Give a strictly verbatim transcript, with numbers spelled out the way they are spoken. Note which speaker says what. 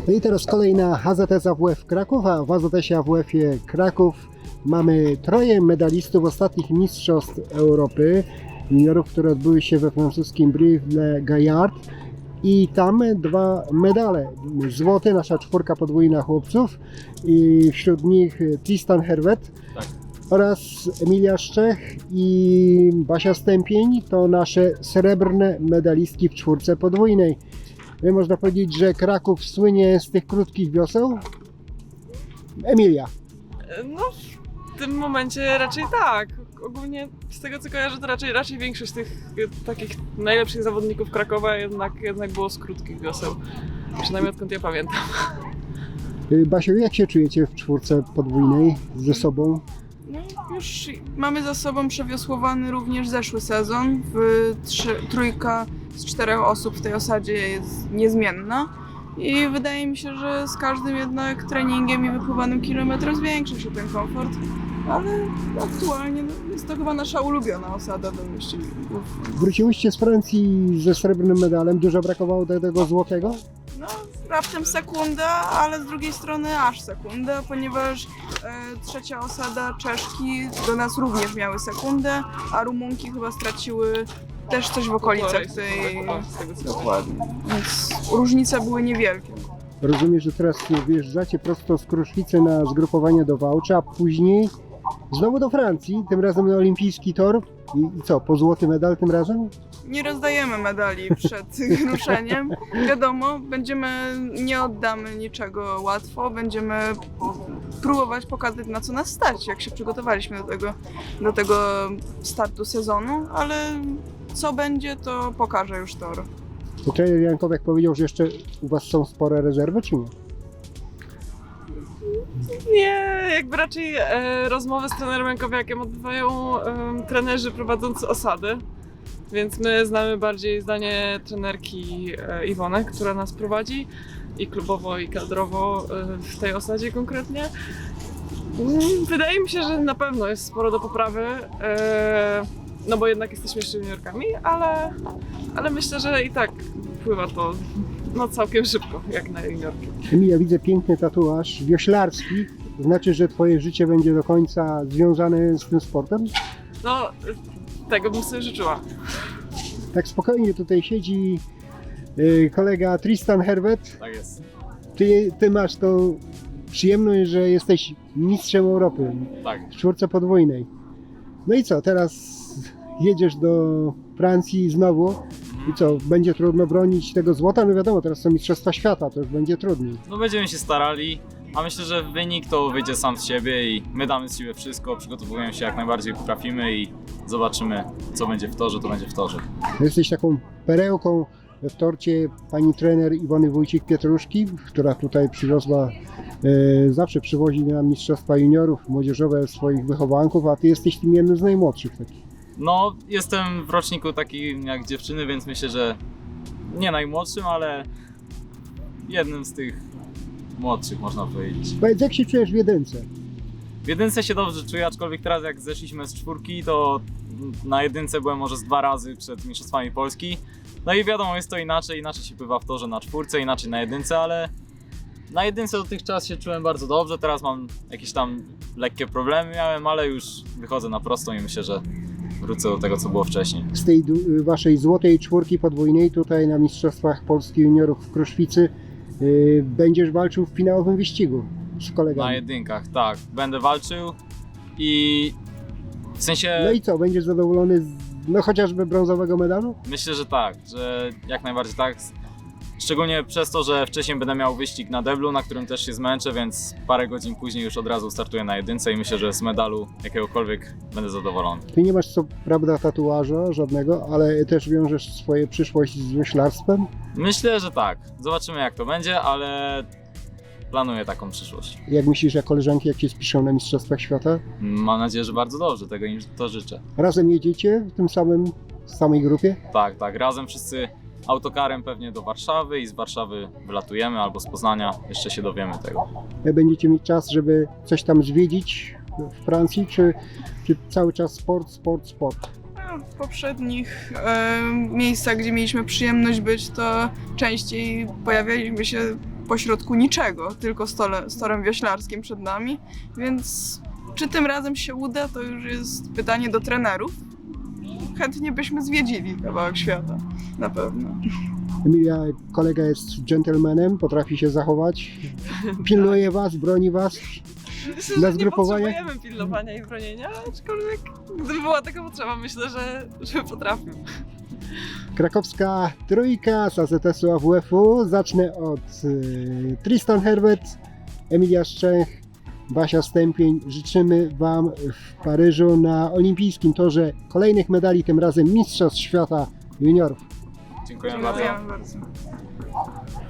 Speaker 1: No i teraz kolejna H Z S A W F Kraków, a w A Z S-ie A W F-ie Kraków mamy troje medalistów ostatnich Mistrzostw Europy juniorów, które odbyły się we francuskim Brive-le-Gaillard i tam dwa medale. Złoty, nasza czwórka podwójna chłopców i wśród nich Tristan Hervet
Speaker 2: Tak.
Speaker 1: oraz Emilia Szczech i Basia Stępień to nasze srebrne medalistki w czwórce podwójnej. Można powiedzieć, że Kraków słynie z tych krótkich wioseł? Emilia.
Speaker 3: No, w tym momencie raczej tak. Ogólnie z tego co kojarzę, to raczej, raczej większość tych e, takich najlepszych zawodników Krakowa jednak, jednak było z krótkich wioseł. Przynajmniej odkąd ja pamiętam.
Speaker 1: Basiu, jak się czujecie w czwórce podwójnej ze sobą?
Speaker 4: No, już mamy za sobą przewiosłowany również zeszły sezon. W trzy, trójka z czterech osób w tej osadzie jest niezmienna. I wydaje mi się, że z każdym jednak treningiem i wypływanym kilometrem zwiększa się ten komfort. Ale aktualnie no, jest to chyba nasza ulubiona osada do wyścigów.
Speaker 1: Wróciłyście z Francji ze srebrnym medalem, dużo brakowało do tego złotego?
Speaker 4: No, raptem sekunda, ale z drugiej strony aż sekunda, ponieważ e, trzecia osada Czeszki do nas również miały sekundę, a Rumunki chyba straciły też coś w okolicach tej... Dokładnie. Więc różnice były niewielkie.
Speaker 1: Rozumiem, że teraz wyjeżdżacie prosto z Kruszwicy na zgrupowanie do Wałcza, a później znowu do Francji, tym razem na olimpijski tor. I, i co, po złoty medal tym razem?
Speaker 4: Nie rozdajemy medali przed ruszeniem. Wiadomo, będziemy, nie oddamy niczego łatwo, będziemy próbować pokazać, na co nas stać, jak się przygotowaliśmy do tego, do tego startu sezonu, ale co będzie, to pokaże już tor.
Speaker 1: To trener Jankowiak powiedział, że jeszcze u Was są spore rezerwy, czy nie?
Speaker 3: Nie, jakby raczej e, rozmowy z trenerem Jankowiakiem odbywają e, trenerzy prowadzący osady. Więc my znamy bardziej zdanie trenerki e, Iwony, która nas prowadzi i klubowo, i kadrowo e, w tej osadzie konkretnie. Mm, Wydaje mi się, że na pewno jest sporo do poprawy, e, no bo jednak jesteśmy jeszcze juniorkami, ale, ale myślę, że i tak pływa to no, całkiem szybko, jak na juniorki.
Speaker 1: Emilia, widzę piękny tatuaż wioślarski. Znaczy, że Twoje życie będzie do końca związane z tym sportem?
Speaker 3: No, tego bym sobie życzyła.
Speaker 1: Tak spokojnie tutaj siedzi yy, kolega Tristan Hervet.
Speaker 2: Tak jest.
Speaker 1: Ty, ty masz tą przyjemność, że jesteś mistrzem Europy
Speaker 2: Tak.
Speaker 1: w czwórce podwójnej. No i co, teraz jedziesz do Francji znowu i co, będzie trudno bronić tego złota? No wiadomo, teraz są mistrzostwa świata, to już będzie trudniej.
Speaker 2: No będziemy się starali, a myślę, że wynik to wyjdzie sam z siebie i my damy z siebie wszystko, przygotowujemy się jak najbardziej potrafimy i zobaczymy, co będzie w torze, to będzie w torze.
Speaker 1: Jesteś taką perełką w torcie pani trener Iwony Wójcik-Pietruszki, która tutaj przywiozła, e, zawsze przywozi nam mistrzostwa juniorów, młodzieżowe swoich wychowanków, a ty jesteś tym jednym z najmłodszych takich.
Speaker 2: No, jestem w roczniku takim jak dziewczyny, więc myślę, że nie najmłodszym, ale jednym z tych młodszych, można powiedzieć.
Speaker 1: Powiedz, jak się czujesz w jedynce?
Speaker 2: W jedynce się dobrze czuję, aczkolwiek teraz jak zeszliśmy z czwórki, to na jedynce byłem może z dwa razy przed Mistrzostwami Polski. No i wiadomo, jest to inaczej, inaczej się pływa w torze na czwórce, inaczej na jedynce, ale na jedynce dotychczas się czułem bardzo dobrze, teraz mam jakieś tam lekkie problemy miałem, ale już wychodzę na prostą i myślę, że wrócę do tego, co było wcześniej.
Speaker 1: Z tej du- waszej złotej czwórki podwójnej tutaj na Mistrzostwach Polski Juniorów w Kruszwicy yy, będziesz walczył w finałowym wyścigu z kolegami.
Speaker 2: Na jedynkach, tak, będę walczył i w sensie
Speaker 1: No i co, będziesz zadowolony z, no chociażby brązowego medalu?
Speaker 2: myślę, że tak, że jak najbardziej tak. Szczególnie przez to, że wcześniej będę miał wyścig na deblu, na którym też się zmęczę, więc parę godzin później już od razu startuję na jedynce i myślę, że z medalu jakiegokolwiek będę zadowolony.
Speaker 1: Ty nie masz co prawda tatuaża żadnego, ale też wiążesz swoją przyszłość z wioślarstwem.
Speaker 2: Myślę, że tak. Zobaczymy jak to będzie, ale planuję taką przyszłość.
Speaker 1: Jak myślisz, jak koleżanki, jak się spiszą na Mistrzostwach Świata?
Speaker 2: Mam nadzieję, że bardzo dobrze, tego im to życzę.
Speaker 1: Razem jedziecie w tym samym, w samej grupie?
Speaker 2: Tak, tak, razem wszyscy autokarem pewnie do Warszawy i z Warszawy wylatujemy albo z Poznania, jeszcze się dowiemy tego.
Speaker 1: Będziecie mieć czas, żeby coś tam zwiedzić w Francji, czy, czy cały czas sport, sport, sport?
Speaker 4: W poprzednich e, miejscach, gdzie mieliśmy przyjemność być, to częściej pojawialiśmy się pośrodku niczego, tylko stole, z torem wioślarskim przed nami, więc czy tym razem się uda, to już jest pytanie do trenerów. Chętnie byśmy zwiedzili kawałek świata, na pewno.
Speaker 1: Emilia, kolega jest gentlemanem, potrafi się zachować, pilnuje was, broni was.
Speaker 3: Myślę,
Speaker 1: Na
Speaker 3: że nie
Speaker 1: zgrupowanie?
Speaker 3: potrzebujemy pilnowania i bronienia, aczkolwiek gdyby była taka potrzeba, myślę, że, że potrafię.
Speaker 1: Krakowska trójka z A Z S u A W F-u. Zacznę od y, Tristan Herbert, Emilia Szczęch, Basia Stępień. Życzymy wam w Paryżu na olimpijskim torze kolejnych medali, tym razem Mistrzostw Świata Juniorów.
Speaker 2: Dziękujemy bardzo.
Speaker 4: Dziękujemy bardzo.